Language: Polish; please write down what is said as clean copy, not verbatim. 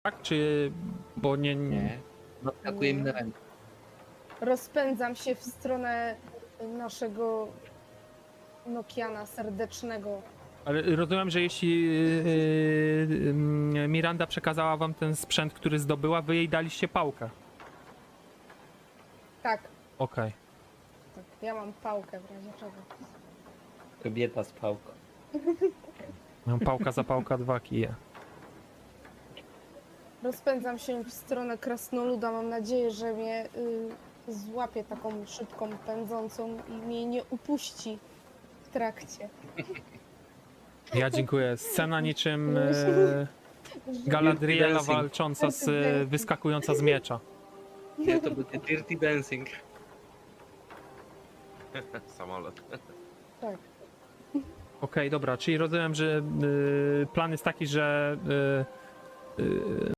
tak? Czy... bo nie... Nie. Nadskakuje mi na rękę. Rozpędzam się w stronę naszego Nokiana serdecznego. Ale rozumiem, że jeśli Miranda przekazała wam ten sprzęt, który zdobyła, wy jej daliście pałkę. Tak, Okej. tak, ja mam pałkę w razie czego. Kobieta z pałką. Mam pałka za pałka 2 kije. Rozpędzam się w stronę krasnoluda. Mam nadzieję, że mnie złapie taką szybką, pędzącą i mnie nie upuści w trakcie. Ja dziękuję. Scena niczym Galadriela walcząca z... wyskakująca z miecza. Nie, to będzie Dirty Dancing. Samolot. Tak. Okej, dobra, czyli rozumiem, że plan jest taki, że